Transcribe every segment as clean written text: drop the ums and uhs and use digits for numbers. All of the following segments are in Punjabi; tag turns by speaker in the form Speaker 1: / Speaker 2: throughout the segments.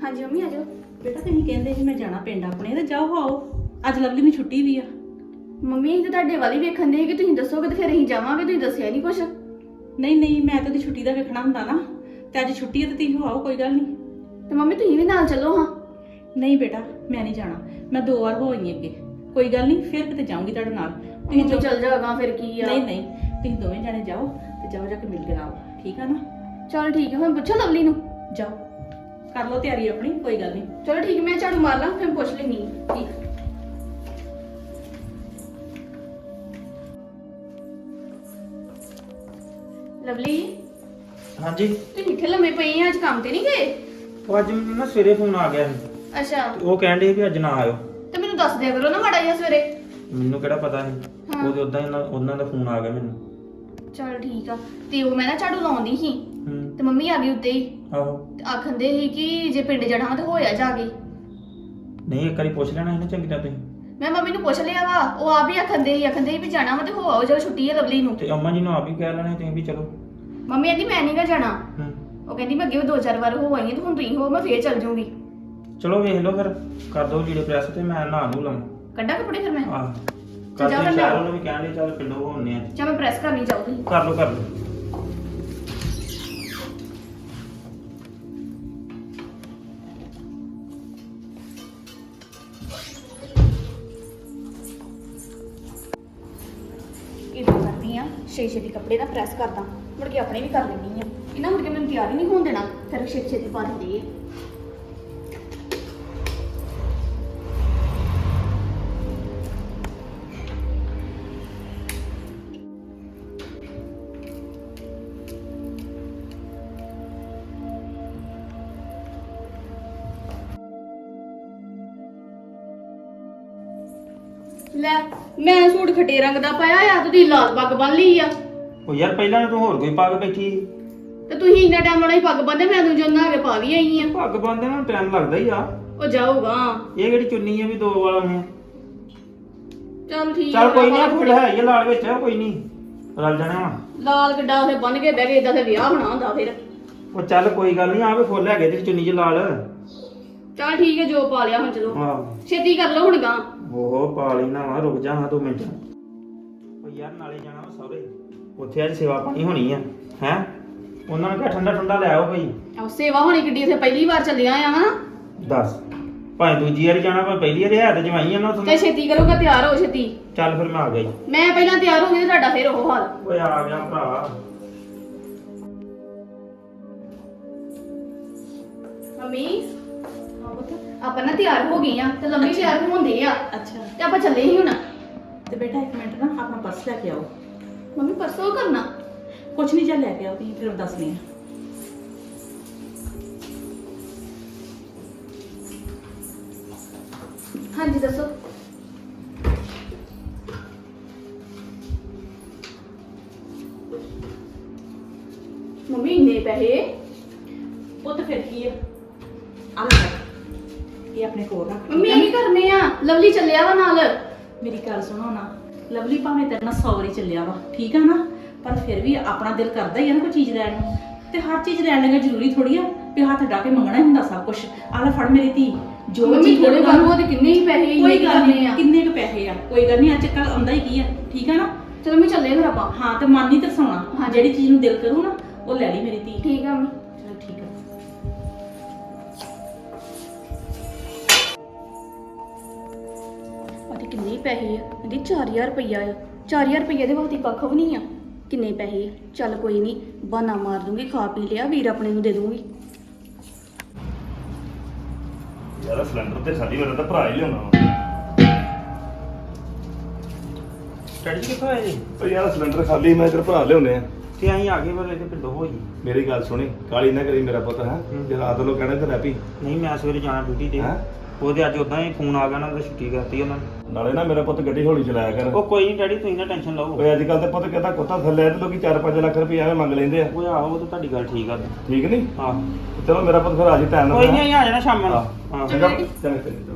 Speaker 1: ਹਾਂਜੀ ਮੰਮੀ ਆ ਜਾਓ।
Speaker 2: ਬੇਟਾ ਤੁਸੀਂ ਕਹਿੰਦੇ ਸੀ ਮੈਂ ਜਾਣਾ ਪਿੰਡ ਆਪਣੇ ਤੇ ਜਾਓ ਆਓ। ਅੱਜ ਲਵਲੀ ਨੂੰ ਛੁੱਟੀ ਵੀ ਆ।
Speaker 1: ਮੰਮੀ ਅਸੀਂ ਤਾਂ ਤੁਹਾਡੇ ਵਾਲੀ ਵੇਖਣ ਦੇ ਕਿ ਤੁਸੀਂ ਦੱਸੋਗੇ ਤੇ ਫਿਰ ਅਸੀਂ ਜਾਵਾਂਗੇ, ਤੁਸੀਂ ਦੱਸਿਆ ਨਹੀਂ ਕੁਛ।
Speaker 2: ਨਹੀਂ ਨਹੀਂ, ਮੈਂ ਤਾਂ ਉਹਦੀ ਛੁੱਟੀ ਦਾ ਵੇਖਣਾ ਹੁੰਦਾ ਨਾ। ਤੇ ਅੱਜ ਛੁੱਟੀ ਹੈ ਤੇ ਤੁਸੀਂ ਹੋ ਆਓ, ਕੋਈ ਗੱਲ ਨਹੀਂ।
Speaker 1: ਤੇ ਮੰਮੀ ਤੁਸੀਂ ਵੀ ਨਾਲ ਚੱਲੋ ਹਾਂ।
Speaker 2: ਨਹੀਂ ਬੇਟਾ, ਮੈਂ ਨਹੀਂ ਜਾਣਾ। ਮੈਂ 2 ਵਾਰ ਹੋ ਆਈ ਅੱਗੇ। ਕੋਈ ਗੱਲ ਨਹੀਂ, ਫਿਰ ਕਿਤੇ ਜਾਊਂਗੀ ਤੁਹਾਡੇ ਨਾਲ।
Speaker 1: ਤੁਸੀਂ ਜੋ ਚੱਲ ਜਾਗਾ ਫਿਰ ਕੀ ਆ।
Speaker 2: ਨਹੀਂ ਨਹੀਂ, ਤੁਸੀਂ ਦੋਵੇਂ ਜਾਣੇ ਜਾਓ ਤੇ ਜਾਓ ਜਾ ਕੇ ਮਿਲ ਕੇ ਆਓ, ਠੀਕ ਆ ਨਾ।
Speaker 1: ਚਲ ਠੀਕ ਹੈ, ਹੁਣ ਪੁੱਛੋ ਲਵਲੀ ਨੂੰ।
Speaker 2: ਜਾਓ ਕਰ ਲਓ ਤਿਆਰੀ ਆਪਣੀ, ਕੋਈ ਗੱਲ ਨਹੀਂ।
Speaker 1: ਚਲੋ ਠੀਕ ਹੈ, ਮੈਂ ਝਾੜੂ ਮਾਰ ਲਾਂ ਫਿਰ ਪੁੱਛ ਲੈਣੀ।
Speaker 2: ਠੀਕ।
Speaker 1: ਲਵਲੀ
Speaker 3: ਹਾਂਜੀ।
Speaker 1: ਤੁਸੀਂ ਇੱਥੇ ਲੰਮੇ ਪਏ ਆ, ਅੱਜ ਕੰਮ ਤੇ ਨਹੀਂ ਗਏ?
Speaker 3: ਉਹ ਅੱਜ ਮੈਨੂੰ ਨਾ ਸਵੇਰੇ ਫੋਨ ਆ ਗਿਆ ਸੀ
Speaker 1: ਅੱਛਾ,
Speaker 3: ਤੇ ਉਹ ਕਹਿਣ ਦੇ ਵੀ ਅੱਜ ਨਾ ਆਇਓ।
Speaker 1: ਤੇ ਮੈਨੂੰ ਦੱਸ ਦਿਆ ਕਰੋ ਨਾ ਮਾੜਾ ਜਿਹਾ ਸਵੇਰੇ।
Speaker 3: ਮੈਨੂੰ ਕਿਹੜਾ ਪਤਾ ਸੀ,
Speaker 1: ਹਾਂ।
Speaker 3: ਉਹਦੇ ਉਦਾਂ ਹੀ ਉਹਨਾਂ ਦਾ ਫੋਨ ਆ ਗਿਆ ਮੈਨੂੰ।
Speaker 1: ਚਲ ਠੀਕ ਆ। ਤੇ ਉਹ ਮੈਂ ਨਾ ਝਾੜੂ ਲਾਉਂਦੀ ਸੀ
Speaker 3: ਹੂੰ।
Speaker 1: ਤੇ ਮੰਮੀ ਆ ਗਈ ਉੱਤੇ ਹੀ
Speaker 3: ਆਹੋ।
Speaker 1: ਤੇ ਆਖੰਦੇ ਸੀ ਕਿ ਜੇ ਪਿੰਡ ਜਾਣਾ ਤੇ ਹੋਇਆ ਜਾ ਕੇ।
Speaker 3: ਨਹੀਂ, ਇੱਕ ਵਾਰੀ ਪੁੱਛ ਲੈਣਾ ਸੀ ਨਾ ਚੰਗੀ ਤਰ੍ਹਾਂ ਤੁਸੀਂ।
Speaker 1: ਮੈਂ ਮੰਮੀ ਨੂੰ ਪੁੱਛ ਲਿਆ ਵਾ, ਉਹ ਆਪ ਹੀ ਆਖੰਦੇ ਸੀ ਵੀ ਜਾਣਾ ਵਾ ਤੇ ਹੋ ਆਓ ਜਦੋਂ ਛੁੱਟੀ ਹੈ ਲਵਲੀ ਨੂੰ।
Speaker 3: ਤੇ ਅੰਮਾ ਜੀ ਨੂੰ ਆਪ ਹੀ ਕਹਿ ਲੈਣਾ ਤੁਸੀਂ ਵੀ ਚਲੋ।
Speaker 1: ਮੰਮੀ ਕਹਿੰਦੀ ਮੈਂ ਨਹੀਂ ਗਾ ਜਾਣਾ।
Speaker 3: ਹੂੰ।
Speaker 1: ਉਹ ਕਹਿੰਦੀ ਮੈਂ ਅੱਗੇ ਵੀ 2-4 ਵਾਰ ਹੋ ਆਈ ਹਾਂ ਤੇ ਹੁਣ ਤੁਸੀਂ ਹੋ, ਮੈਂ ਫੇਰ ਚੱਲ ਜਾਊਂਗੀ।
Speaker 3: ਚਲੋ ਵੇਖ ਲਓ, ਫਿਰ ਕਰ ਦੋ ਲੀੜੇ ਪ੍ਰੈਸ ਤੇ ਮੈਂ ਨਹਾ ਨੂੰ ਲਵਾਂ।
Speaker 1: ਕੱਢਾਂ ਕੱਪੜੇ ਫਿਰ ਮੈਂ।
Speaker 3: ਆਹ
Speaker 1: ਚੱਲ
Speaker 3: ਕਰ
Speaker 1: ਜਾ
Speaker 3: ਦੇ
Speaker 1: ਫਿਰ
Speaker 3: ਸ਼ਹਿਰ
Speaker 1: ਲਿਆਓ।
Speaker 3: ਉਹਨੂੰ ਵੀ ਕਹਿਣ ਦੇ ਚੱਲ ਪਿੰਡੋਂ ਹੋਣੇ ਆ।
Speaker 1: ਜਾਂ ਮੈਂ ਪ੍ਰੈਸ ਕਰਨੀ ਚਾਹੂੰਗੀ।
Speaker 3: ਕਰ ਲਓ ਕਰ ਲਓ।
Speaker 1: ਇਦਾਂ ਕਰਦੀ ਆ, ਛੇਤੀ ਕੱਪੜੇ ਨਾ ਪ੍ਰੈਸ ਕਰਦਾ, ਮੁੜ ਕੇ ਆਪਣੇ ਵੀ ਕਰ ਲੈਣੀ ਆ। ਇਹਨਾਂ ਮੁੜ ਕੇ ਮੈਨੂੰ ਤਿਆਰ ਹੀ ਨਹੀਂ ਹੋਣ ਦੇਣਾ, ਫਿਰ ਛੇਤੀ ਪਾ ਦਿੰਦੇ ਆ। ਲੈ ਮੈਂ ਸੂਟ ਖੱਟੇ ਰੰਗ ਦਾ ਪਾਇਆ ਆ, ਤੁਸੀਂ ਲਾਲ ਪੱਗ ਬੰਨ ਲਈ ਆ।
Speaker 3: ਉਹ ਯਾਰ ਪਹਿਲਾਂ ਤੂੰ ਹੋਰ ਕੋਈ ਪੱਗ ਬੈਠੀ ਸੀ।
Speaker 1: ਤੇ ਤੁਸੀਂ ਇੰਨਾ ਟਾਈਮ ਵਾਲਾ ਹੀ ਪੱਗ ਬੰਨਦੇ, ਮੈਂ ਤੂੰ ਜੋਨਾ ਆ ਕੇ ਪਾ ਵੀ ਆਈ ਆ।
Speaker 3: ਪੱਗ ਬੰਨਦੇ ਨੂੰ ਟਾਈਮ ਲੱਗਦਾ ਹੀ ਆ।
Speaker 1: ਉਹ ਜਾਊਗਾ।
Speaker 3: ਇਹ ਕਿਹੜੀ ਚੁੰਨੀ ਆ ਵੀ 2 ਵਾਲਾ ਹੈ।
Speaker 1: ਚੱਲ ਠੀਕ
Speaker 3: ਚੱਲ ਕੋਈ
Speaker 1: ਆ,
Speaker 3: ਨਹੀਂ, ਫੁੱਲ ਹੈ ਇਹ ਲਾਲ ਵਿੱਚ ਕੋਈ ਨਹੀਂ, ਰਲ ਜਾਣਾ ਵਾ।
Speaker 1: ਲਾਲ ਗੱਡਾ ਉਥੇ ਬੰਨ ਕੇ ਬਹਿ ਗਏ, ਇਦਾਂ ਤੇ ਵਿਆਹ ਹੋਣਾ ਹੁੰਦਾ ਫਿਰ।
Speaker 3: ਉਹ ਚੱਲ ਕੋਈ ਗੱਲ ਨਹੀਂ, ਆਵੇ ਫੁੱਲ ਹੈਗੇ ਤੇ ਚੁੰਨੀ 'ਚ ਲਾਲ।
Speaker 1: ਚੱਲ ਠੀਕ ਹੈ, ਜੋ ਪਾ ਲਿਆ ਹੁਣ ਚਲੋ
Speaker 3: ਆਹ
Speaker 1: ਛੇਤੀ ਕਰ ਲਓ ਹੁਣ ਗਾਂ।
Speaker 3: ਉਹ ਪਾ ਲੈਣਾ ਵਾ, ਰੁਕ ਜਾ ਹਾਂ 2 ਮਿੰਟ। ਉਹ ਯਾਰ ਨਾਲੇ ਜਾਣਾ ਵਾ ਸਹੁਰੇ, ਉੱਥੇ ਅੱਜ ਸੇਵਾ ਪਾਣੀ ਹੋਣੀ ਆ ਹੈ। ਉਹਨਾਂ ਨੇ ਕਿਹਾ ਠੰਡਾ ਠੰਡਾ ਲੈ ਆਓ ਭਾਈ।
Speaker 1: ਆਹ ਸੇਵਾ ਹੋਣੀ ਕਿੱਡੀ, ਉਥੇ ਪਹਿਲੀ ਵਾਰ ਚੱਲਿਆ ਆ ਹਨਾ।
Speaker 3: ਦੱਸ, ਭਾਵੇਂ ਦੂਜੀ ਵਾਰੀ ਜਾਣਾ ਭਾਵੇਂ ਪਹਿਲੀ ਵਾਰੀ, ਹੈ ਤੇ ਜਵਾਈ ਆ ਨਾ
Speaker 1: ਤੇ
Speaker 3: ਉੱਥੇ।
Speaker 1: ਛੇਤੀ ਕਰੋਗਾ, ਤਿਆਰ ਹੋ ਛੇਤੀ।
Speaker 3: ਚੱਲ ਫਿਰ ਮੈਂ ਆ ਗਿਆ ਜੀ।
Speaker 1: ਮੈਂ ਪਹਿਲਾਂ ਤਿਆਰ ਹੋ ਗਈ ਤੇ ਤੁਹਾਡਾ ਫਿਰ ਉਹ ਹਾਲ।
Speaker 3: ਓਏ ਆ ਗਿਆ ਭਰਾ।
Speaker 1: ਮੰਮੀ ਆਪਾਂ ਨਾ ਤਿਆਰ ਹੋ ਗਏ ਆ ਤੇ ਲੰਮੀ ਤਿਆਰ ਹੁੰਦੇ ਆ
Speaker 2: ਅੱਛਾ
Speaker 1: ਤੇ ਆਪਾਂ ਚੱਲੇ ਹੀ ਹੁਣ।
Speaker 2: ਤੇ ਬੇਟਾ 1 ਮਿੰਟ ਨਾ ਆਪਣਾ ਪਰਸ ਲੈ ਕੇ ਆਓ।
Speaker 1: ਮੰਮੀ ਪਰਸੋਂ ਕਰਨਾ।
Speaker 2: ਕੁਛ ਨਹੀਂ, ਚੱਲ ਲੈ ਕੇ ਆਓ, ਤੁਸੀਂ ਫਿਰ ਦੱਸਣੀ ਆ।
Speaker 1: ਹਾਂਜੀ ਦੱਸੋ। ਮੰਮੀ ਇੰਨੇ ਪੈਸੇ?
Speaker 2: ਉਹ ਤਾਂ ਫਿਰ ਕੀ ਆ, ਆ ਲੈ ਇਹ ਆਪਣੇ ਕੋਲ ਰੱਖ।
Speaker 1: ਮੰਮੀ ਇਹ ਕੀ ਕਰਨੇ ਆ? ਲਵਲੀ ਚੱਲਿਆ ਵਾ ਨਾਲ।
Speaker 2: ਮੇਰੀ ਗੱਲ ਸੁਣੋ ਨਾ, ਲਵਲੀ ਭਾਵੇਂ ਤੇਰੇ ਨਾਲ 100 ਵਾਰੀ ਚੱਲਿਆ ਵਾ, ਠੀਕ ਆ ਨਾ, ਪਰ ਫਿਰ ਵੀ ਆਪਣਾ ਦਿਲ ਕਰਦਾ ਹੀ ਆ ਨਾ ਕੋਈ ਚੀਜ਼ ਲੈਣ ਨੂੰ। ਤੇ ਹਰ ਚੀਜ਼ ਲੈਣ ਲੱਗਾ ਜ਼ਰੂਰੀ ਥੋੜੀ ਆ ਵੀ ਹੱਥ ਡਾ ਕੇ ਮੰਗਣਾ ਹੀ ਹੁੰਦਾ ਸਭ ਕੁਝ। ਆ ਲੈ ਫੜ ਮੇਰੀ ਧੀ, ਜੋ
Speaker 1: ਮੰਮੀ
Speaker 2: ਚੀਜ਼
Speaker 1: ਥੋੜੇ
Speaker 2: ਲੱਗੂਗਾ
Speaker 1: ਬਾਬੂ ਦੇ ਕਿੰਨੇ ਹੀ ਪੈਸੇ
Speaker 2: ਕੋਈ
Speaker 1: ਇੰਨੇ
Speaker 2: ਗੱਲ
Speaker 1: ਕਰਨੇ
Speaker 2: ਨਹੀਂ,
Speaker 1: ਆ।
Speaker 2: ਕਿੰਨੇ ਕੁ ਪੈਸੇ ਆ, ਕੋਈ ਗੱਲ ਨਹੀਂ, ਅੱਜ ਕੱਲ ਆਉਂਦਾ ਹੀ ਕੀ ਆ, ਠੀਕ ਆ ਨਾ।
Speaker 1: ਚਲੋ ਮੈਂ ਚੱਲੇ ਫਿਰ ਆਪਾਂ।
Speaker 2: ਹਾਂ ਤੇ ਮਨ ਨਹੀਂ ਤਰਸਾਉਣਾ,
Speaker 1: ਹਾਂ।
Speaker 2: ਜਿਹੜੀ ਚੀਜ਼ ਨੂੰ ਦਿਲ ਕਰੂ ਨਾ ਉਹ ਲੈ ਲਈ ਮੇਰੀ ਧੀ।
Speaker 1: ਠੀਕ ਆ ਮੰਮੀ।
Speaker 2: ਚਲ ਠੀਕ ਆ।
Speaker 1: ਉਹਦੇ ਕਿੰਨੇ ਪੈਸੇ ਆ? ਇਹਦੀ 4000 ਰੁਪਈਆ ਆ। 4000 ਰੁਪਈਆ ਦੇ ਵਾਸਤੇ ਕੱਖ ਵੀ ਨਹੀਂ ਆ। ਕਿੰਨੇ ਪੈਸੇ ਆ? ਚੱਲ ਕੋਈ ਨਹੀਂ, ਬਹਾਨਾ ਮਾਰ ਦੂੰਗੀ, ਖਾ ਪੀ ਲਿਆ, ਵੀਰ ਆਪਣੇ ਨੂੰ ਦੇ ਦੂੰਗੀ।
Speaker 4: ਯਾਰ ਸਿਲੰਡਰ ਤੇ ਸਾਡੀ ਵਾਰ ਤਾਂ ਭਰਾ ਹੀ ਲਿਆਉਣਾ ਵਾ।
Speaker 3: ਸਟੱਡੀ ਕਿੱਥੋਂ ਆਏ ਜੀ?
Speaker 4: ਉਹ ਯਾਰ ਸਿਲੰਡਰ ਖਾਲੀ, ਮੈਂ ਤੇਰਾ ਭਰਾ ਲਿਆਉਣੇ ਆ।
Speaker 3: ਤੇ ਅਸੀਂ ਆ ਗਏ ਪਰ ਇਹਦੇ ਪਿੰਡੋਂ ਹੋ ਜੀ।
Speaker 4: ਮੇਰੀ ਗੱਲ ਸੁਣੀ, ਕਾਲੀ ਨਾ ਕਰੀ ਮੇਰਾ ਪੁੱਤ ਹੈ। ਜੇ ਰਾਤ ਨੂੰ ਕਹਿਣਾ ਤੇ ਰਹਿ
Speaker 3: ਨਹੀਂ, ਮੈਂ ਸਵੇਰੇ ਜਾਣਾ ਡਿਊਟੀ ਤੇ।
Speaker 4: ਹੈਂ?
Speaker 3: ਉਹਦੇ ਅੱਜ ਉਦਾਂ ਹੀ ਫੋਨ ਆ ਗਿਆ, ਉਹਨਾਂ ਦਾ ਛੁੱਟੀ ਕਰਤੀ ਉਹਨਾਂ ਨੇ।
Speaker 4: ਨਾਲੇ ਨਾ ਮੇਰਾ ਪੁੱਤ ਗੱਡੀ ਹੌਲੀ ਚਲਾਇਆ ਕਰ।
Speaker 3: ਉਹ ਕੋਈ ਨਹੀਂ ਡੈਡੀ, ਤੁਸੀਂ ਨਾ ਟੈਨਸ਼ਨ ਲਓ।
Speaker 4: ਓਏ ਅੱਜ ਕੱਲ ਤੇ ਪੁੱਤ ਕਹਿੰਦਾ ਕੁੱਤਾ ਥੱਲੇ ਆ ਤੇ ਲੋਕੀ 4-5 ਲੱਖ ਰੁਪਏ ਐਵੇਂ ਮੰਗ ਲੈਂਦੇ ਆ।
Speaker 3: ਉਹ ਆਹੋ, ਉਹ ਤਾਂ ਤੁਹਾਡੀ ਗੱਲ ਠੀਕ ਆ।
Speaker 4: ਠੀਕ ਨਹੀਂ?
Speaker 3: ਹਾਂ
Speaker 4: ਚਲੋ ਮੇਰਾ ਪੁੱਤ ਫਿਰ ਆ ਜੀ ਟਾਈਮ ਨਾਲ।
Speaker 3: ਕੋਈ ਨਹੀਂ, ਅਸੀਂ ਆ ਜਾਣਾ ਸ਼ਾਮ ਨੂੰ।
Speaker 4: ਹਾਂ।
Speaker 3: ਹਾਂ
Speaker 4: ਚੰਗਾ ਚੰਗਾ ਚੰਗਾ।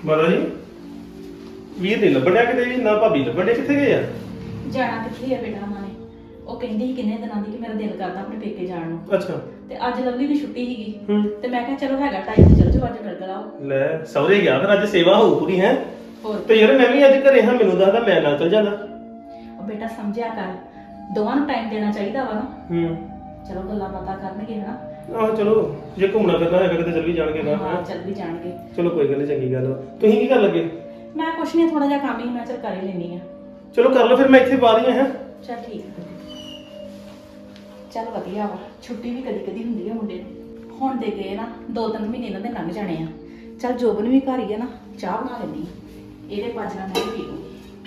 Speaker 4: ਮਾਤਾ ਜੀ ਵੀਰ ਨਹੀਂ ਲੱਭਣਿਆ ਕਿਤੇ ਵੀ, ਨਾ ਭਾਬੀ ਲੱਭਣਿਆ, ਕਿੱਥੇ ਗਏ ਆ?
Speaker 2: ਜਾਣਾ ਕਿੱਥੇ ਆ ਬੇਟਾ ਉਹਨਾਂ ਨੇ? ਉਹ ਕਹਿੰਦੀ ਸੀ ਕਿੰਨੇ ਦਿਨਾਂ ਦੀ ਕਿ ਮੇਰਾ ਦਿਲ ਕਰਦਾ ਆਪਣੇ ਪੇਕੇ ਜਾਣ ਨੂੰ।
Speaker 4: ਅੱਛਾ।
Speaker 2: ਤੇ ਅੱਜ ਲਵਲੀ ਦੀ ਛੁੱਟੀ ਸੀਗੀ
Speaker 4: ਹੂੰ।
Speaker 2: ਤੇ ਮੈਂ ਕਿਹਾ ਚਲੋ ਹੈਗਾ ਟਾਈਮ ਤੇ ਚਲ ਜਾਓ ਅੱਜ ਮਿਲ ਗਲਾਓ।
Speaker 4: ਲੈ ਸਹੁਰੇ ਗਿਆ ਫਿਰ ਅੱਜ ਸੇਵਾ ਹੋਊ ਪੂਰੀ ਹੈ।
Speaker 2: ਹੋਰ
Speaker 4: ਤੇ ਯਾਰ ਮੈਂ ਵੀ ਅੱਜ ਘਰੇ ਹਾਂ, ਮੈਨੂੰ ਦੱਸਦਾ ਮੈਂ ਨਾਲ ਚਲ ਜਾਣਾ।
Speaker 2: ਉਹ ਬੇਟਾ ਸਮਝਿਆ ਕਰ, ਦੋਵਾਂ ਨੂੰ ਟਾਈਮ ਦੇਣਾ ਚਾਹੀਦਾ ਵਾ ਨਾ।
Speaker 4: ਹੂੰ।
Speaker 2: ਚਲੋ ਗੱਲਾਂ ਬਾਤਾਂ ਕਰਨਗੇ ਹਨਾ।
Speaker 4: ਆਹ ਚਲੋ ਜੇ ਘੁੰਮਣਾ ਫਿਰਨਾ ਹੈਗਾ ਕਿਤੇ ਚੱਲ ਵੀ ਜਾਣਗੇ ਨਾ।
Speaker 2: ਹਾਂ ਚੱਲ ਵੀ ਜਾਣਗੇ।
Speaker 4: ਚਲੋ ਕੋਈ ਗੱਲ ਨਹੀਂ, ਚੰਗੀ ਗੱਲ ਵਾ। ਤੁਸੀਂ ਕੀ ਕਰ ਲੱਗੇ?
Speaker 2: ਮੈਂ ਕੁਛ ਨਹੀਂ, ਥੋੜਾ ਜਿਹਾ ਕੰਮ ਹੀ ਮੈਂ ਚੱਲ ਕਰ ਹੀ ਲੈਣੀ ਆ।
Speaker 4: ਚਲੋ ਕਰ ਲਓ ਫਿਰ, ਮੈਂ ਇੱਥੇ ਬਾਹਰ ਹੀ ਹਾਂ।
Speaker 2: ਚੱਲ ਠੀਕ ਹੈ। ਚੱਲ ਵਧੀਆ ਵਾ, ਛੁੱਟੀ ਵੀ ਕਦੀ ਕਦੀ ਹੁੰਦੀ ਹੈ ਮੁੰਡੇ ਨੂੰ। ਹੁਣ ਦੇ ਗਏ ਨਾ 2-3 ਮਹੀਨੇ ਇਹਨਾਂ ਦੇ ਲੰਘ ਜਾਣੇ ਆ। ਚੱਲ ਜੋਬਨ ਵੀ ਘਰ ਹੀ ਆ ਨਾ, ਚਾਹ ਬਣਾ ਲੈਂਦੀ ਆ। ਇਹਦੇ ਪਾਜਣਾ ਮੈਂ ਵੀ ਪੀ ਲੂੰਗੀ।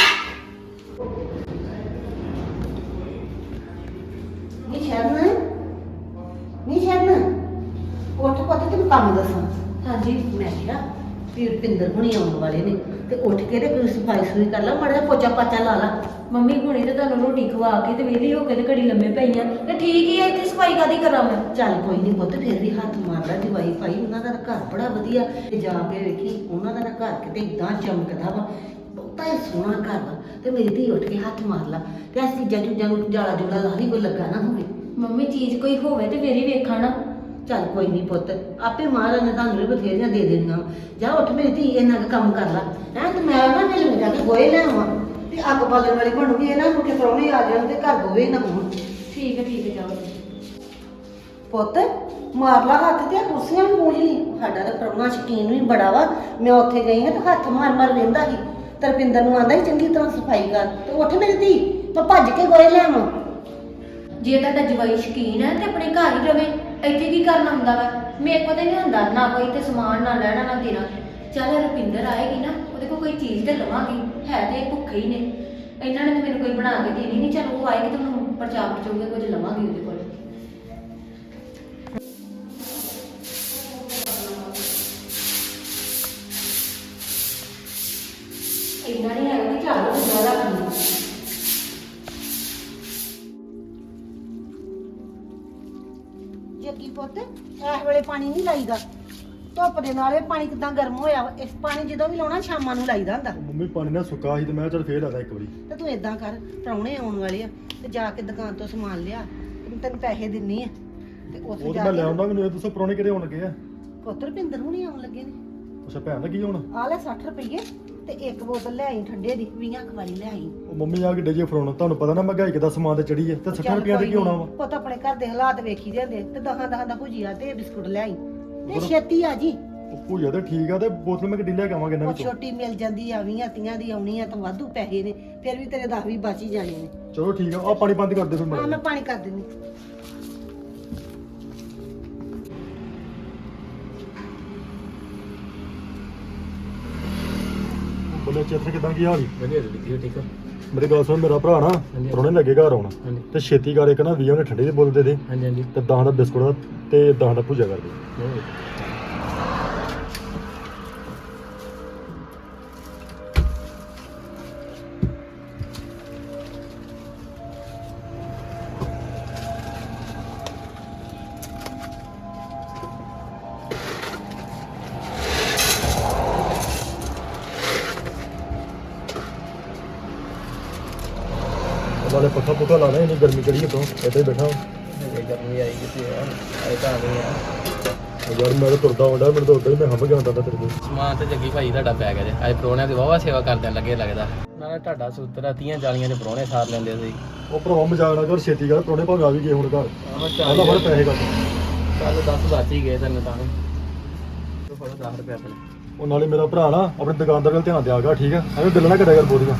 Speaker 5: ਨਹੀਂ ਸ਼ਰਨ ਉੱਠ ਪੁੱਤ ਤੈਨੂੰ ਕੰਮ ਦੱਸਾਂ।
Speaker 6: ਹਾਂਜੀ
Speaker 5: ਮੈਂ ਕਿਹਾ ਵੀ ਰੁਪਿੰਦਰ ਹੁਣੀ ਆਉਣ ਵਾਲੇ ਨੇ ਤੇ ਉੱਠ ਕੇ ਤੇ ਕੋਈ ਸਫਾਈ ਸੁਈ ਕਰ ਲਾ, ਮਾੜਾ ਜਿਹਾ ਪੋਚਾ ਪਾਚਾ ਲਾ ਲਾ।
Speaker 6: ਮੰਮੀ ਹੁਣੇ ਤੇ ਤੁਹਾਨੂੰ ਰੋਟੀ ਖਵਾ ਕੇ ਤੇ ਵਿਹਲੀ ਹੋ ਕੇ ਤੇ ਘੜੀ ਲੰਮੇ ਪਈਆਂ ਤੇ ਠੀਕ ਹੀ ਆ, ਇੱਥੇ ਸਫਾਈ ਕਾਦੀ ਕਰਾਂ ਮੈਂ?
Speaker 5: ਚੱਲ ਕੋਈ ਨਹੀਂ ਪੁੱਤ, ਫਿਰ ਵੀ ਹੱਥ ਮਾਰਦਾ ਜਵਾਈ ਭਾਈ, ਉਹਨਾਂ ਦਾ ਤਾਂ ਘਰ ਬੜਾ ਵਧੀਆ ਤੇ ਜਾ ਕੇ ਵੇਖੀ ਉਹਨਾਂ ਦਾ ਤਾਂ ਘਰ ਕਿਤੇ ਇਦਾਂ ਚਮਕਦਾ ਵਾ, ਬਹੁਤਾ ਹੀ ਸੋਹਣਾ ਘਰ ਵਾ। ਤੇ ਮੇਰੀ ਧੀ ਉੱਠ ਕੇ ਹੱਥ ਮਾਰ ਲਾ ਤੇ ਆ ਚੀਜ਼ਾਂ ਚੂਜ਼ਾਂ ਨੂੰ ਜਾਲਾ ਜੁਲਾ ਲਾ ਲਈ, ਕੋਈ ਲੱਗਾ ਨਾ ਹੋਵੇ।
Speaker 6: ਮੰਮੀ ਚੀਜ਼ ਕੋਈ ਹੋਵੇ ਤੇ ਫੇਰ ਹੀ ਵੇਖਾਂ ਨਾ।
Speaker 5: ਚੱਲ ਕੋਈ ਨਹੀਂ ਪੁੱਤ, ਆਪੇ ਮਹਾਰਾਜ ਨੇ ਤੁਹਾਨੂੰ ਵੀ ਬਥੇਰੀਆਂ ਦੇ ਦੇਣੀਆਂ। ਜਾ ਉੱਠ ਮੇਰੀ ਧੀ, ਇੰਨਾ ਕੁ ਕੰਮ ਕਰ ਲਾ ਹੈ। ਤੇ ਮੈਂ ਨਾ ਵੇਲੇ ਜਾ ਕੇ ਗੋਏ ਲੈ ਆਵਾਂ ਤੇ ਅੱਗ ਬਾਲਣ ਵਾਲੀ ਬਣੂਗੀ, ਇਹਨਾਂ ਨੂੰ ਕਿ ਪ੍ਰਾਹੁਣੇ ਆ ਜਾਣ ਤੇ ਘਰ ਗੋਏ ਨਾ ਹੋਣ।
Speaker 6: ਠੀਕ ਹੈ ਜਾਓ।
Speaker 5: ਪੁੱਤ ਮਾਰ ਲਾ ਹੱਥ ਤੇ ਆ ਕੁਰਸੀਆਂ ਵੀ ਪੂੰਝ ਲਈ। ਸਾਡਾ ਤਾਂ ਪ੍ਰਾਹੁਣਾ ਸ਼ਕੀਨ ਵੀ ਬੜਾ ਵਾ। ਮੈਂ ਉੱਥੇ ਗਈ ਹਾਂ ਤੇ ਹੱਥ ਮਾਰ ਵੇਂਦਾ ਸੀ। ਤਰਪਿੰਦਰ ਨੂੰ ਆਂਦਾ ਸੀ ਚੰਗੀ ਤਰ੍ਹਾਂ ਸਫਾਈ ਕਰ, ਤੇ ਉੱਠ ਮੇਰੀ ਧੀ, ਮੈਂ ਭੱਜ ਕੇ ਗੋਏ ਲੈ ਆਵਾਂ।
Speaker 6: ਜੇ ਤੁਹਾਡਾ ਜਵਾਈ ਸ਼ਕੀਨ ਹੈ ਤੇ ਆਪਣੇ ਘਰ ਹੀ ਰਵੇ, ਇੱਥੇ ਕੀ ਕਰਨਾ ਹੁੰਦਾ ਵਾ? ਮੇਰੇ ਕੋਲ ਤੇ ਨਹੀਂ ਹੁੰਦਾ ਨਾ ਕੋਈ ਤੇ ਸਮਾਨ ਨਾ ਲੈਣਾ ਨਾ ਦੇਣਾ। ਚੱਲ ਰੁਪਿੰਦਰ ਆਏਗੀ ਨਾ, ਉਹਦੇ ਕੋਲ ਕੋਈ ਚੀਜ਼ ਤੇ ਲਵਾਂਗੀ, ਹੈ ਤੇ ਇਹ ਭੁੱਖੇ ਹੀ ਨੇ। ਇਹਨਾਂ ਨੇ ਤਾਂ ਮੈਨੂੰ ਕੋਈ ਬਣਾ ਕੇ ਦੇਣੀ ਨਹੀਂ। ਚੱਲ ਉਹ ਆਏਗੀ ਤਾਂ ਉਹਨੂੰ ਪਰਚਾਉਗੇ ਕੁਝ ਲਵਾਂਗੀ ਉਹਦੇ ਕੋਲ। ਇੰਨਾ ਨਹੀਂ ਹੈਗਾ ਕਿ ਝਾੜੂ ਜ਼ਿਆਦਾ ਰੱਖਣੀ।
Speaker 5: ਜੱਗੀ ਪੁੱਤ ਇਸ ਵੇਲੇ ਪਾਣੀ ਨਹੀਂ ਲਾਈਦਾ, ਧੁੱਪ ਦੇ ਨਾਲ ਇਹ ਪਾਣੀ ਕਿਦਾਂ ਗਰਮ ਹੋਇਆ ਵਾ। ਇਸ ਪਾਣੀ ਜਦੋਂ ਵੀ ਲਾਉਣਾ ਸ਼ਾਮਾਂ ਨੂੰ ਲਾਈਦਾ ਹੁੰਦਾ।
Speaker 7: ਮੰਮੀ ਪਾਣੀ ਨਾ ਸੁੱਕਾ ਸੀ ਤੇ ਮੈਂ ਚੱਲ ਫੇਰ ਲਾਦਾ ਇੱਕ ਵਾਰੀ।
Speaker 5: ਤੇ ਤੂੰ ਇਦਾਂ ਕਰ, ਪ੍ਰਾਹੁਣੇ ਆਉਣ ਵਾਲੇ ਆ ਤੇ ਜਾ ਕੇ ਦੁਕਾਨ ਤੋਂ ਸਮਾਨ ਲਿਆ, ਤੇ ਤੈਨੂੰ ਪੈਸੇ ਦਿੰਨੀ ਆ ਤੇ ਉੱਥੇ
Speaker 7: ਉਹ
Speaker 5: ਜਾ
Speaker 7: ਤਾਂ ਮੈਂ
Speaker 5: ਕੇ
Speaker 7: ਲਿਆਉਂਦਾ, ਮੈਨੂੰ ਇਹ ਦੱਸੋ ਪ੍ਰਾਹੁਣੇ ਕਿਹੜੇ ਆਉਣ ਲੱਗੇ ਆ?
Speaker 5: ਪੁੱਤ ਰੁਪਿੰਦਰ ਹੁਣੀ ਆਉਣ ਲੱਗੇ ਨੇ।
Speaker 7: ਅੱਛਾ ਭੈਣ ਦਾ ਕੀ ਹੁਣ?
Speaker 5: ਆ ਲੈ 60 ਰੁਪਏ ਤੇ ਇੱਕ ਬੋਤਲ ਲੈ ਆਈ ਠੰਡੇ ਦੀ, 20 ਵਾਲੀ ਲੈ ਆਈ।
Speaker 7: ਉਹ ਮੰਮੀ ਆ ਕਿੱਡੇ ਜੇ ਫਰਾਉਣ, ਤੁਹਾਨੂੰ ਪਤਾ ਨਾ ਮਹਿੰਗਾਈ ਕਿੱਦਾਂ ਸਮਾਨ ਤੇ ਚੜੀ ਹੈ, ਤੇ 60 ਰੁਪਈਆ ਤੇ ਕੀ ਹੋਣਾ ਵਾ?
Speaker 5: ਪੁੱਤ ਆਪਣੇ ਘਰ ਦੇ ਹਾਲਾਤ ਵੇਖੀ ਦੇ ਹੁੰਦੇ, ਤੇ 10 ਦਾ ਭੁਜੀਆ ਤੇ ਬਿਸਕੁਟ ਲੈ ਆਈ ਤੇ ਛੇਤੀ ਆ ਜੀ।
Speaker 7: ਉਹ ਭੂਜਾ ਤੇ ਠੀਕ ਆ, ਤੇ ਬੋਤਲ ਮੈਂ ਕਿੱਡੀ ਲੈ ਕੇ ਆਵਾਂਗੇ ਇਹਨਾਂ
Speaker 5: ਉਹ
Speaker 7: ਵਿੱਚੋਂ?
Speaker 5: ਛੋਟੀ ਮਿਲ ਜਾਂਦੀ ਆ 20-30 ਦੀ ਆਉਣੀ ਆ ਤਾਂ ਵਾਧੂ ਪੈਸੇ ਨੇ, ਫਿਰ ਵੀ ਤੇਰੇ 10-20 ਬਚ ਹੀ ਜਾਣੇ ਨੇ।
Speaker 7: ਚਲੋ ਠੀਕ ਆ, ਆ ਪਾਣੀ ਬੰਦ ਕਰ ਦੇ ਫਿਰ
Speaker 5: ਹਾਂ ਮੈਂ
Speaker 7: ਮੇਰਾ।
Speaker 5: ਪਾਣੀ ਕਰ ਦਿੰਦੀ।
Speaker 7: ਬੋਲੇ ਚੇਤਰ ਕਿਦਾਂ ਕੀ ਹਾਲ ਈ?
Speaker 8: ਵਧੀਆ ਜੀ ਠੀਕ ਆ।
Speaker 7: ਮੇਰੀ ਗੱਲ ਸੁਣ, ਮੇਰਾ ਭਰਾ ਨਾ
Speaker 8: ਹਾਂਜੀ।
Speaker 7: ਪ੍ਰਾਹੁਣੇ ਲੱਗੇ ਘਰ ਆਉਣਾ,
Speaker 8: ਹਾਂਜੀ
Speaker 7: ਤੇ ਛੇਤੀ ਕਰ, ਇੱਕ ਨਾ 20 ਉਹਨੇ ਠੰਡੇ ਦੀ ਬੋਤਲ ਦੇ ਦੇ,
Speaker 8: ਹਾਂਜੀ ਹਾਂਜੀ
Speaker 7: ਤੇ 10 ਦਾ ਬਿਸਕੁਟ ਦਾ ਤੇ 10 ਦਾ ਭੂਜਾ ਕਰ ਦੇ। ਨਾਲੇ ਪੱਖਾ ਪੁੱਖਾ ਲਾ ਲੈ, ਇੰਨੀ ਗਰਮੀ ਚੜੀ ਤੋਂ ਇੱਥੇ ਹੀ ਬੈਠਾ।
Speaker 8: ਗਰਮੀ ਆਈ ਕਿਤੇ ਆ, ਆਏ ਤਾਂ ਆ ਗਏ ਆ।
Speaker 7: ਯਾਰ ਮੈਂ ਤਾਂ ਤੁਰਦਾ ਆਉਂਦਾ, ਮੈਨੂੰ ਤਾਂ ਉਦਾਂ ਹੀ ਮੈਂ ਹੰਭ ਗਿਆ ਹੁੰਦਾ ਤੇਰੇ ਕੋਲ।
Speaker 8: ਸਮਾਨ ਤੇ ਜੱਗੀ ਭਾਈ ਤੁਹਾਡਾ ਪੈ ਗਿਆ ਜੇ। ਅੱਜ ਪ੍ਰਾਹੁਣਿਆਂ ਦੀ ਵਾਹਵਾ ਸੇਵਾ ਕਰਦਿਆਂ ਲੱਗੇ ਲੱਗਦਾ। ਨਾਲੇ ਤੁਹਾਡਾ ਸੂਤਰਾ 30-40 ਦੇ ਪ੍ਰਾਹੁਣੇ ਸਾਰ ਲੈਂਦੇ ਸੀ।
Speaker 7: ਉਹ ਭਰਾਵਾ ਮਜ਼ਾਕ ਨਾ ਕਰ, ਛੇਤੀ ਕਰ, ਪ੍ਰਾਹੁਣੇ ਭਾਵੇਂ ਆ ਵੀ ਗਏ ਹੁਣ ਘਰ। ਆਹ ਫੜ ਪੈਸੇ ਕਰ।
Speaker 8: ਚੱਲ 10 ਬਚ ਹੀ ਗਏ ਤੈਨੂੰ ਤਾਂ। ਤੂੰ ਫੜੋ 10 ਰੁਪਏ ਆਪਣੇ।
Speaker 7: ਉਹ ਨਾਲੇ ਮੇਰਾ ਭਰਾ ਨਾ ਆਪਣੇ ਦੁਕਾਨਦਾਰ ਵੱਲ ਧਿਆਨ ਦਿਆ ਗਾ, ਠੀਕ ਆ? ਐਵੇਂ ਬਿੱਲ ਨਾ ਕਰਿਆ ਕਰ ਬੋਲੀਆਂ।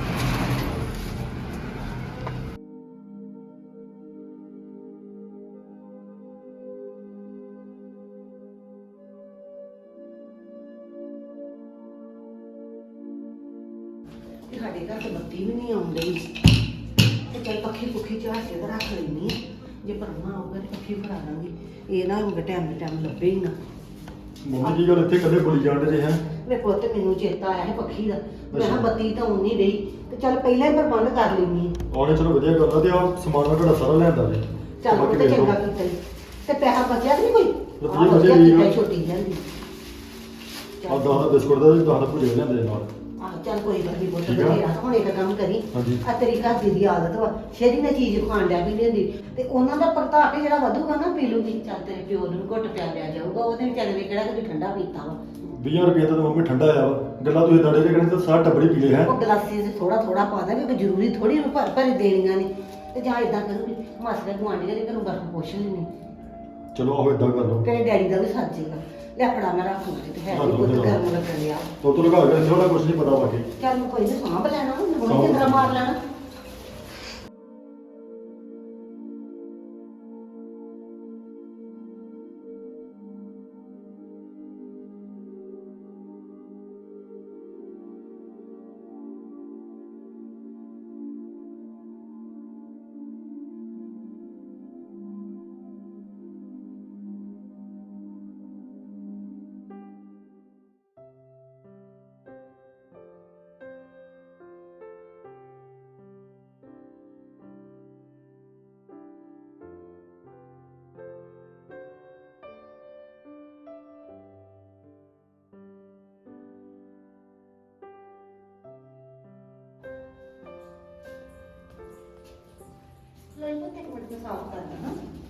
Speaker 5: ਸਾਡੇ ਘਰ ਤੇ ਬੱਤੀ ਵੀ ਨਹੀਂ ਆਉਂਦੀ, ਤੇ ਚੱਲ ਪੱਖੀ ਪੁੱਖੀ ਚਾਹ ਕੇ ਤਾਂ ਰੱਖ ਲੈਣੀ ਆ। ਜੇ ਪਰਮਾ ਆਊਗਾ ਤੇ ਪੱਖੀ ਫੜਾ ਦਾਂਗੀ, ਇਹ ਨਾ ਹੋਊਗਾ ਟਾਈਮ ਦੇ ਟਾਈਮ ਲੱਭੇ ਹੀ ਨਾ।
Speaker 7: ਮੰਮੀ ਜੀ ਗੱਲ ਇੱਥੇ ਕੱਲੇ ਬੋਲੀ ਜਾਂਦੇ ਜੇ ਹੈ।
Speaker 5: ਵੇ ਪੁੱਤ ਮੈਨੂੰ ਚੇਤਾ ਆਇਆ ਹੈ ਪੱਖੀ ਦਾ, ਮੈਂ ਕਿਹਾ ਬੱਤੀ ਤਾਂ ਆਉਣ ਨਹੀਂ ਰਹੀ, ਤੇ ਚੱਲ ਪਹਿਲਾਂ ਹੀ ਪ੍ਰਬੰਧ ਕਰ ਲੈਣੀ ਆ।
Speaker 7: ਆਉਣੇ ਚਲੋ ਵਧੀਆ ਗੱਲ ਆ, ਤੇ ਆ ਸਮਾਨ ਮੈਂ ਤੁਹਾਡਾ ਸਾਰਾ ਲਿਆਂਦਾ ਜੇ।
Speaker 5: ਚੱਲ ਉਹ ਤੇ ਚੰਗਾ ਕੀਤਾ ਈ। ਤੇ ਪੈਸਾ ਬਚਿਆ ਕਿ ਨਹੀਂ ਕੋਈ?
Speaker 7: ਰੁਪਈਏ
Speaker 5: ਆਹ
Speaker 7: ਬਚੇ
Speaker 5: ਵਧੀਆ
Speaker 7: ਵੀ ਆ।
Speaker 5: ਕੀਤਾ ਈ, ਛੋਟੀ ਜਾਂਦੀ।
Speaker 7: ਆ 10 ਦਾ ਬਿਸਕੁਟ ਦਾ 10 ਦਾ ਭੁਜੇ ਲਿਆਂਦੇ ਨਾਲ
Speaker 5: ਆਹ ਚੱਲ ਕੋਈ ਗੱਲ ਨਹੀਂ ਪੁੱਤ
Speaker 7: ਠੀਕ ਆ।
Speaker 5: ਬਥੇਰਾ ਹੁਣ ਇੱਕ ਕੰਮ ਕਰੀ
Speaker 7: ਹਾਂਜੀ।
Speaker 5: ਆ ਤੇਰੀ ਘਰ ਦੀ ਦੀ ਆਦਤ ਵਾ ਸ਼ੇਰੀ ਨੇ ਚੀਜ਼ ਖਾਣ ਡਿਆ ਵੀ ਲੈਂਦੀ ਤੇ ਉਹਨਾਂ ਦਾ ਭਰਤਾ ਕੇ ਜਿਹੜਾ ਵਧੂਗਾ ਨਾ ਪੀ ਲੂਗੀ ਚੱਲ ਤੇਰੇ ਪਿਓ ਨੂੰ ਘੁੱਟ ਪਿਆ ਲਿਆ ਜਾਊਗਾ ਉਹਦੇ ਵਿਚਾਰੇ ਨੇ ਕਿਹੜਾ ਕਦੇ ਠੰਡਾ ਪੀਤਾ ਵਾ
Speaker 7: 20 ਰੁਪਏ ਤਾਂ ਮੰਮੀ ਠੰਡਾ ਆਇਆ ਵਾ ਗੱਲਾਂ ਤੁਸੀਂ ਦੜੇ ਕੇ ਕਹਿੰਦੇ ਤਾਂ ਸਾਰਾ ਟੱਬਰੀ ਪੀ ਲੇ ਹੈ
Speaker 5: ਉਹ ਗਲਾਸੀ 'ਚ ਥੋੜਾ ਥੋੜਾ ਪਾ ਦਾਂਗੇ ਕਿ ਜ਼ਰੂਰੀ ਥੋੜੀ ਭਰ ਭਰ ਦੇਣੀਆਂ ਨੇ ਤੇ ਜਾਂ ਇਦਾਂ ਕਰੂਗੀ ਮਾਸੀ ਦਾ ਗੁਆਂਢੀ ਦੇ ਘਰੋਂ ਬਰਫ ਪੁੱਛ ਲੈਣੀ
Speaker 7: ਚਲੋ ਆਹੋ ਇਦਾਂ ਕਰ ਲਓ
Speaker 5: ਤੇਰੇ ਡੈਡੀ ਦਾ ਵੀ ਸੱਚ ਜੇਗਾ ਲੈ ਫੜਾ ਮੈਂ ਰੱਖ ਲੂੰਗੀ ਤੇ ਹੈ ਨਹੀਂ ਪੁੱਤ ਗਰਮ ਲੱਗਣ ਲਿਆ
Speaker 7: ਤੋਂ ਲਗਾ ਕੇ ਥੋੜਾ ਕੁਝ ਨਹੀਂ ਪਤਾ ਬਾਕੀ
Speaker 5: ਚੱਲ ਮੈਂ ਕੋਈ ਨਹੀਂ ਸਾਂਭ ਲੈਣਾ ਹੁਣ ਕਿੰਦਰਾ ਮਾਰ ਲੈਣਾ ਲੈ ਪੁੱਤ ਇੱਕ ਮਿੰਟ ਮੈਂ ਸਾਫ਼ ਕਰ ਦਾਂ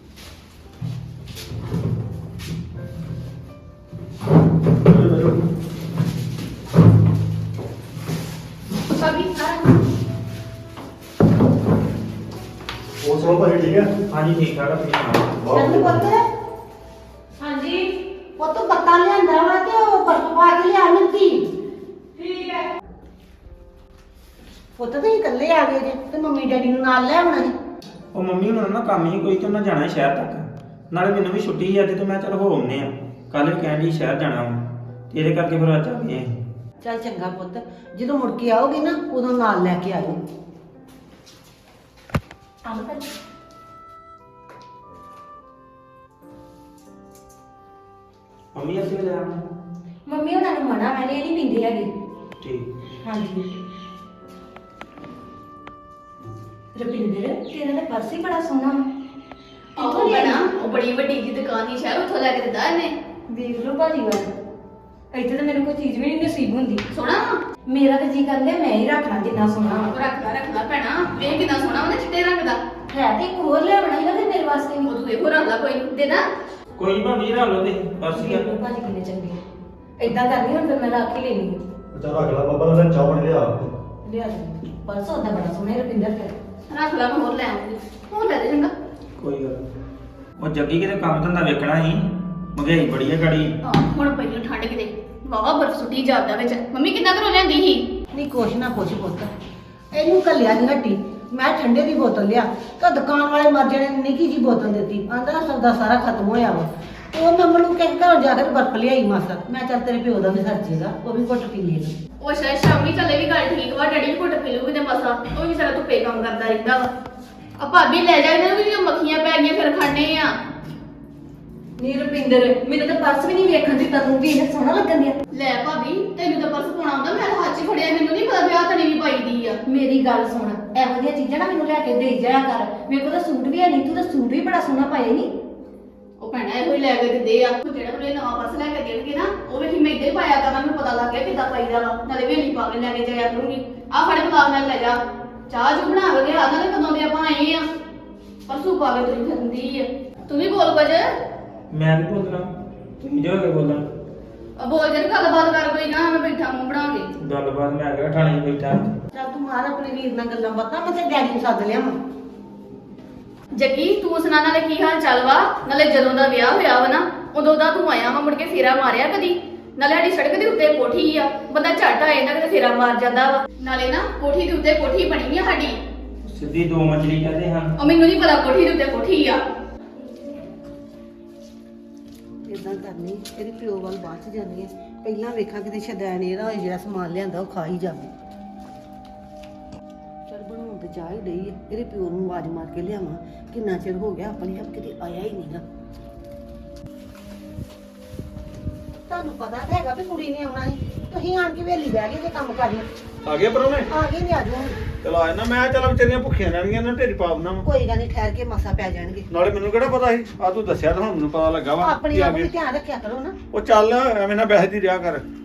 Speaker 7: ਹੋਰ ਸੁਣੋ ਭਾਈ ਠੀਕ ਹੈ
Speaker 3: ਹਾਂਜੀ ਠੀਕ ਠਾਕ ਆ ਤੁਸੀਂ ਸੁਣਾਓ
Speaker 5: ਚੱਲ ਪੁੱਤ
Speaker 2: ਹਾਂਜੀ
Speaker 5: ਪੁੱਤ ਪੱਤਾ ਲਿਆਂਦਾ ਵਾ ਤੇ ਉਹ ਬਰਫ ਪਾ ਕੇ ਲਿਆ ਮਿੰਤੀ
Speaker 2: ਠੀਕ ਹੈ।
Speaker 5: ਪੁੱਤ ਤੁਸੀਂ ਇਕੱਲੇ ਆ ਗਏ ਜੇ ਤੇ ਮੰਮੀ ਡੈਡੀ ਨੂੰ ਨਾਲ ਲੈ ਆਉਣਾ ਸੀ
Speaker 3: ਉਹ ਮੰਮੀ ਹੁਣਾਂ ਨਾ ਕੰਮ ਹੀ ਕੋਈ ਤੇ ਉਹਨਾਂ ਜਾਣਾ ਸੀ ਸ਼ਹਿਰ ਤੱਕ ਨਾਲੇ ਮੈਨੂੰ ਵੀ ਛੁੱਟੀ ਸੀ ਅੱਜ ਤੇ ਮੈਂ ਚੱਲ ਹੋ ਆਉਂਦੇ ਆ ਕੱਲ ਵੀ ਕਹਿਣ ਡਈ ਸ਼ਹਿਰ ਜਾਣਾ ਵਾ ਤੇ ਇਹਦੇ ਕਰਕੇ ਫਿਰ ਅੱਜ ਆ ਗਏ ਅਸੀਂ।
Speaker 5: ਚੱਲ ਚੰਗਾ ਪੁੱਤ ਜਦੋਂ ਮੁੜ ਕੇ ਆਓਗੇ ਨਾ ਉਦੋਂ ਨਾਲ ਲੈ ਕੇ ਆਇਓ
Speaker 3: ਮੰਮੀ ਅਸੀਂ ਵੀ ਲੈ ਆਵਾਂ
Speaker 6: ਮੰਮੀ ਉਹਨਾਂ ਨੂੰ ਮਨਾ ਮੈਨੇ ਇਹ ਨਹੀਂ ਪੀਂਦੇ ਹੈਗੇ।
Speaker 3: ਠੀਕ
Speaker 6: ਹਾਂਜੀ ਰੁਪਿੰਦਰ ਤੇਰਾ ਤਾਂ ਪਰਸ ਹੀ ਬੜਾ ਸੋਹਣਾ ਵਾ।
Speaker 1: ਆਹੋ ਬਣਾ ਉਹ ਬੜੀ ਵੱਡੀ ਜੀ ਦੁਕਾਨ ਹੀ ਸ਼ਹਿਰ ਉੱਥੋਂ ਲੈ ਕੇ ਦਿੱਤਾ ਇਹਨੇ
Speaker 6: ਦੇਖ ਲਓ ਭਾਜੀ ਵੱਲ ਇੱਥੇ ਤਾਂ ਮੈਨੂੰ ਕੋਈ ਚੀਜ਼ ਵੀ ਨਹੀਂ ਨਸੀਬ ਹੁੰਦੀ।
Speaker 1: ਸੋਹਣਾ
Speaker 6: ਮੇਰਾ ਤਾਂ ਜੀ ਕਰਦਾ ਮੈਂ ਹੀ ਰੱਖਣਾ ਜਿੰਨਾ ਸੋਹਣਾ ਵਾ।
Speaker 1: ਰੱਖ ਲੈ ਭੈਣਾ ਵੇਖ ਕਿੰਨਾ ਸੋਹਣਾ ਉਹਨੇ ਚਿੱਟੇ ਰੰਗ ਦਾ
Speaker 6: ਹੈ ਤੇ ਇੱਕ ਹੋਰ ਲਿਆਉਣਾ ਹੀ ਨਾ ਤੇ ਮੇਰੇ ਵਾਸਤੇ ਵੀ।
Speaker 1: ਉਹ ਤੂੰ ਇਹੋ ਰੰਗ ਦਾ ਕੋਈ ਨੀ। ਦੇ ਨਾ
Speaker 3: ਕੋਈ ਨੀ ਭਾਬੀ ਰੱਖ ਲਓ ਤੇ ਬਸ ਹੀ ਆ
Speaker 6: ਦੇਖ ਲਓ ਭਾਜੀ ਕਿੰਨੇ ਚੰਗੇ ਆ। ਏਦਾਂ ਕਰਨੀ ਹੁਣ ਫਿਰ ਮੈਂ ਰੱਖ ਹੀ ਲੈਣੀ
Speaker 7: ਚੱਲ ਰੱਖ ਲਾ ਬਾਬਾ ਨਾਲ ਚਾਹ ਬਣ ਲਿਆ
Speaker 6: ਲਿਆ ਦੇ ਪਰਸ ਉਹਦਾ ਬੜਾ ਸੋਹਣਾ ਹੈ ਰੁਪਿੰਦਰ ਫਿਰ।
Speaker 1: ਰੱਖ ਲੈ ਮੈਂ ਹੋਰ ਲੈ ਆਉਂਗੀ ਹੋਰ ਲੈ ਦੇ ਚੰਗਾ
Speaker 3: ਕੋਈ ਗੱਲ ਨੀ। ਉਹ ਜੱਗੀ ਕਿਤੇ ਕੰਮ ਧੰਦਾ ਵੇਖਣਾ ਸੀ ਮਹਿੰਗਾਈ ਬੜੀ ਹੈ ਗਾੜੀ
Speaker 1: ਹੁਣ ਪਈ ਨੂੰ ਠੰਡ ਕਿਤੇ ਵਾਵਾ ਬਰਫ ਸੁੱਟੀ ਜਾਂਦਾ ਵਿੱਚ ਮੰਮੀ ਕਿੰਨਾ ਘਰੋਂ ਲਿਆਂਦੀ ਸੀ
Speaker 5: ਨਹੀਂ ਕੁਛ ਨਾ ਕੁਛ ਪੁੱਤ ਇਹਨੂੰ ਘੱਲਿਆ ਦੀ ਹੱਟੀ ਮੈਂ ਠੰਡੇ ਦੀ ਬੋਤਲ ਲਿਆ ਤਾਂ ਦੁਕਾਨ ਵਾਲੇ ਮਰ ਜਾਣੇ ਨੇ ਨਿੱਕੀ ਜੀ ਬੋਤਲ ਦਿੱਤੀ ਆਂਦਾ ਸੌਦਾ ਸਾਰਾ ਖਤਮ ਹੋਇਆ ਵਾ ਉਹ ਮੈਂ ਮੈਨੂੰ ਕਹਿ ਘਰੋਂ ਜਾ ਕੇ ਬਰਫ ਲਿਆਈ ਮਾਸਾ ਮੈਂ ਚੱਲ ਤੇਰੇ ਪਿਓ ਦਾ ਵੀ ਸਰਜੇਗਾ ਉਹ ਵੀ ਘੁੱਟ ਪੀ ਲੇਗਾ
Speaker 1: ਉਹ ਸ਼ਾਇਦ ਸ਼ਾਮੀ ਚੱਲੇ ਵੀ ਗੱਲ ਠੀਕ ਵਾ ਡੈਡੀ ਵੀ ਘੁੱਟ ਪੀ ਲੂਗੀ ਤੇ ਮਸਾ ਉਹ ਵੀ ਸਾਰਾ ਧੁੱਪੇ ਕੰਮ ਕਰਦਾ ਰਹਿੰਦਾ ਵਾ ਆ ਭਾਬੀ ਲੈ ਜਾ ਇਹਨਾਂ ਨੂੰ ਵੀ ਜੋ ਮੱਖੀਆਂ ਪੈ ਗਈਆਂ ਫਿਰ ਖਾਣੇ ਆ
Speaker 6: ਨੀ ਰੁਪਿੰਦਰ ਮੈਨੂੰ ਤਾਂ ਪਰਸ ਵੀ ਨਹੀਂ ਵੇਖਣ ਦਿੱਤਾ ਤੂੰ ਵੀ ਇਹ ਸੋਹਣਾ ਲੱਗਣ ਦਿਆ।
Speaker 1: ਲੈ ਭਾਬੀ ਤੈਨੂੰ ਤਾਂ ਪਰਸ ਪਾਉਣਾ ਆਉਂਦਾ ਮੈਂ ਤਾਂ ਹੱਥ 'ਚ ਫੜਿਆ ਮੈਨੂੰ ਨਹੀਂ ਪਤਾ ਵਿਆਹ ਤਣੀ ਵੀ ਪਾਈਦੀ ਆ
Speaker 6: ਮੇਰੀ ਗੱਲ ਸੁਣ ਇਹੋ ਜਿਹੀਆਂ ਚੀਜ਼ਾਂ ਨਾ ਮੈਨੂੰ ਲੈ ਕੇ ਦੇ ਜਾਇਆ ਕਰ ਮੇਰੇ ਕੋਲ ਤਾਂ ਸੂਟ ਵੀ ਹੈ ਨਹੀਂ ਤੂੰ ਤਾਂ ਸੂਟ ਵੀ ਬੜਾ ਸੋਹਣਾ ਪਾਇਆ ਨਹੀਂ।
Speaker 1: ਉਹ ਭੈਣਾ ਇਹੋ ਹੀ ਲੈ ਕੇ ਦਿੰਦੇ ਆ ਉਹ ਜਿਹੜਾ ਕੋਲੇ ਨਵਾਂ ਪਰਸ ਲੈ ਕੇ ਦੇਣਗੇ ਨਾ ਉਹ ਵੇਖੀ ਮੈਂ ਇੱਦਾਂ ਹੀ ਪਾਇਆ ਕਰਾਂ ਮੈਨੂੰ ਪਤਾ ਲੱਗ ਗਿਆ ਕਿੱਦਾਂ ਪਾਈਦਾ ਵਾ ਨਾਲੇ ਵੇਲੀ ਪਾ ਕੇ ਲੈ ਕੇ ਜਾਇਆ ਕਰੂੰਗੀ ਆ ਫੜ ਗੁਲਾਬ ਨਾਲ ਲੈ ਜਾ ਚਾਹ ਜੂ ਬਣਾ ਕੇ ਲਿਆ ਨਾਲੇ ਕਦੋਂ ਦੇ ਆਪਾਂ ਆਏ ਆ ਪਰਸੂ ਪਾ ਕੇ ਤੁਰੀ ਫਿਰਦੀ ਆ ਤੂੰ ਵੀ ਬੋਲ ਕੁਝ
Speaker 3: ਮੈਂ ਨਹੀਂ ਬੋਲਣਾ ਤੁਸੀਂ ਜੋ ਕੇ ਬੋਲਣਾ
Speaker 1: ਬੋਲ ਜੇ ਗੱਲਬਾਤ ਕਰ ਕੋਈ ਨਾ ਮੈਂ ਬੈਠਾ ਮੂੰਹ ਬਣਾ ਕੇ
Speaker 3: ਗੱਲਬਾਤ ਮੈਂ ਕਿਹਾ ਥਾਣੇ 'ਚ ਬੈਠਾ
Speaker 5: ਚੱਲ ਤੂੰ ਮਾਰ ਆਪਣੇ ਵੀਰ ਨਾਲ ਗੱਲਾਂ ਬਾਤਾਂ ਮੈਂ ਤੇ ਡੈਡੀ ਨੂੰ ਸੱਦ ਲਿਆ ਮੈਂ
Speaker 1: ਜੱਗੀ ਤੂੰ ਸੁਣਾ ਨਾਲੇ ਕੀ ਹਾਲ ਚਾਲ ਵਾ ਨਾਲੇ ਜਦੋਂ ਦਾ ਵਿਆਹ ਹੋਇਆ ਵਾ ਨਾ ਉਦੋਂ ਦਾ ਤੂੰ ਆਇਆ ਵਾ ਮੁੜ ਕੇ ਫੇਰਾ ਮਾਰਿਆ ਕਦੀ ਨਾਲੇ ਸਾਡੀ ਸੜਕ ਦੇ ਉੱਤੇ ਕੋਠੀ ਆ ਬੰਦਾ ਝੱਟ ਆ ਜਾਂਦਾ ਕਿਤੇ ਫੇਰਾ ਮਾਰ ਜਾਂਦਾ ਵਾ ਨਾਲੇ ਨਾ ਕੋਠੀ ਦੇ ਉੱਤੇ ਕੋਠੀ ਬਣੀ ਆ ਸਾਡੀ
Speaker 3: ਸਿੱਧੀ ਦੋ ਮੰਜ਼ਲੀ ਕਹਿੰਦੇ ਹਨ
Speaker 1: ਉਹ ਮੈਨੂੰ ਨਹੀਂ ਪਤਾ ਕੋਠੀ ਦੇ ਉੱਤੇ ਕੋਠੀ ਆ
Speaker 5: ਇਦਾਂ ਕਰਨੀ ਇਹਦੇ ਪਿਓ ਵੱਲ ਬਾਅਦ ਚ ਜਾਂਦੀ ਹੈ ਪਹਿਲਾਂ ਵੇਖਾਂ ਕਿਤੇ ਸ਼ਦੈਨ ਇਹਦਾ ਹੋਏ ਜਿਹੜਾ ਸਮਾਨ ਲਿਆਂਦਾ ਉਹ ਖਾ ਹੀ ਜਾਵੇ ਚਲ ਬਣਾਉਣ ਤੇ ਜਾ ਹੀ ਡਈ ਹੈ ਇਹਦੇ ਪਿਓ ਨੂੰ ਆਵਾਜ਼ ਮਾਰ ਕੇ ਲਿਆਵਾਂ ਕਿੰਨਾ ਚਿਰ ਹੋ ਗਿਆ ਆਪਣੇ ਆਪ ਕਿਤੇ ਆਇਆ ਹੀ ਨਹੀਂਗਾ ਤੁਹਾਨੂੰ ਪਤਾ ਤਾਂ ਹੈਗਾ ਵੀ ਕੁੜੀ ਨੇ ਆਉਣਾ ਸੀ ਤੁਸੀਂ ਆਣ ਕੇ ਵੇਲੀ ਬਹਿ ਗਏ ਜੇ ਕੰਮ ਕਰਨਾ
Speaker 4: ਆ ਗਿਆ ਪਰੋਣੇ
Speaker 5: ਆ ਗਏ ਨੇ ਆ ਜਾਓ
Speaker 4: ਚਲ ਆ ਨਾ ਮੈਂ ਚੱਲ ਵਿਚਾਰੀਆਂ ਭੁੱਖੀਆਂ ਰਹਿਣਗੀਆਂ ਨਾ ਢੇਰੀ ਪਾ ਦੇਣਾ ਵਾ।
Speaker 5: ਕੋਈ ਗੱਲ ਨਹੀਂ ਠਹਿਰ ਕੇ ਮਸਾ ਪੈ ਜਾਣਗੇ
Speaker 4: ਨਾਲੇ ਮੈਨੂੰ ਕਿਹੜਾ ਪਤਾ ਸੀ ਆ ਤੂੰ ਦੱਸਿਆ ਤਾਂ ਹੁਣ ਮੈਨੂੰ ਪਤਾ ਲੱਗਾ ਵਾ
Speaker 5: ਆਪਣੀ
Speaker 4: ਕਿ ਆ
Speaker 5: ਆਪ
Speaker 4: ਗਏ।
Speaker 5: ਵੀ ਧਿਆਨ ਰੱਖਿਆ ਕਰੋ ਨਾ
Speaker 4: ਉਹ ਚੱਲ ਐਵੇਂ ਨਾ ਬਹਿਦੀ ਰਿਹਾ ਕਰ